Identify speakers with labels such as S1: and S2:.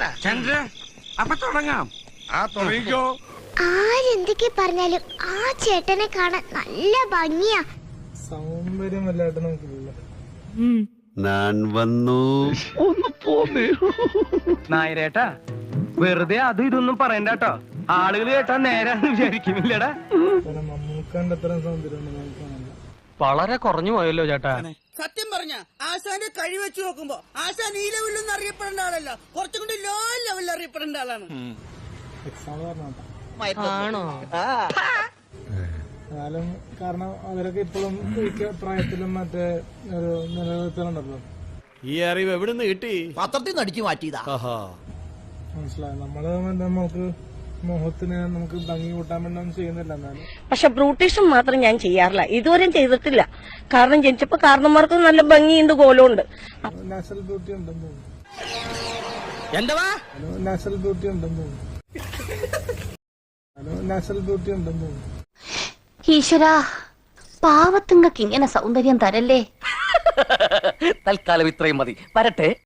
S1: തുടങ്ങട്ടെ?
S2: ചന്ദ്ര, അപ്പൊ തുടങ്ങാം.
S1: ആ തുടങ്ങിക്കോ.
S3: ആരെന്തൊക്കെ പറഞ്ഞാലും ആ ചേട്ടനെ കാണാൻ നല്ല ഭംഗിയാ.
S4: സൗന്ദര്യം വല്ലാണ്ട് നമുക്കില്ല.
S5: ഞാൻ വന്നു.
S6: നായരേട്ടാ, വെറുതെ അതും ഇതൊന്നും പറയണ്ടട്ടോ. ആളുകൾ കേട്ടാ നേരാന്ന് വിചാരിക്കുന്നില്ലടാ.
S4: മമ്മൂക്കാന്റെ അത്രയും സൗന്ദര്യം നമുക്ക് കാണില്ല.
S6: വളരെ കുറഞ്ഞു പോയല്ലോ ചേട്ടാ.
S7: സത്യം പറഞ്ഞ ആശാന്റെ കഴി വെച്ച് നോക്കുമ്പോ ആശാൻ ഈ ലെവലിലൊന്നും അറിയപ്പെടേണ്ട ആളല്ല, കുറച്ചും കൂടി ലോ ലെവലിൽ അറിയപ്പെടേണ്ട ആളാണ്.
S4: എക്സാമ്പിൾ പറഞ്ഞോട്ടെ.
S6: ആണോ?
S4: എന്നാലും കാരണം അവരൊക്കെ ഇപ്പോഴും പ്രായത്തിലും മറ്റേ ഒരു നിലനിർത്തലുണ്ടല്ലോ.
S8: ഈ അറിവ് എവിടുന്ന് കിട്ടി?
S7: പത്രത്തിൽ നിന്ന് അടിച്ചു മാറ്റിയതാ.
S4: മനസ്സിലായി. നമ്മള് നമുക്ക് മുഖത്തിന് നമുക്ക് ഭംഗി കൂട്ടാൻ വേണ്ടി ഒന്നും ചെയ്യുന്നില്ല. എന്നാലും
S9: പക്ഷെ ബ്രൂട്ടീഷും മാത്രം ഞാൻ ചെയ്യാറില്ല, ഇതുവരെയും ചെയ്തിട്ടില്ല. കാരണം ജനിച്ചപ്പോ കാരണന്മാർക്ക് നല്ല ഭംഗിയുണ്ട്, കോലമുണ്ട്.
S4: നാച്ചുറൽ ബ്യൂട്ടി ഉണ്ടെന്ന് തോന്നുന്നു.
S6: എന്താ
S4: നാച്ചുറൽ ബ്യൂട്ടി ഉണ്ടെന്ന് തോന്നുന്നു. നാച്ചുറൽ ബ്യൂട്ടി ഉണ്ടെന്ന് തോന്നുന്നു.
S3: ഈശ്വരാ, പാവത്തുങ്ങൾക്ക് ഇങ്ങനെ സൗന്ദര്യം തരല്ലേ.
S6: തൽക്കാലം ഇത്രയും മതി. വരട്ടെ.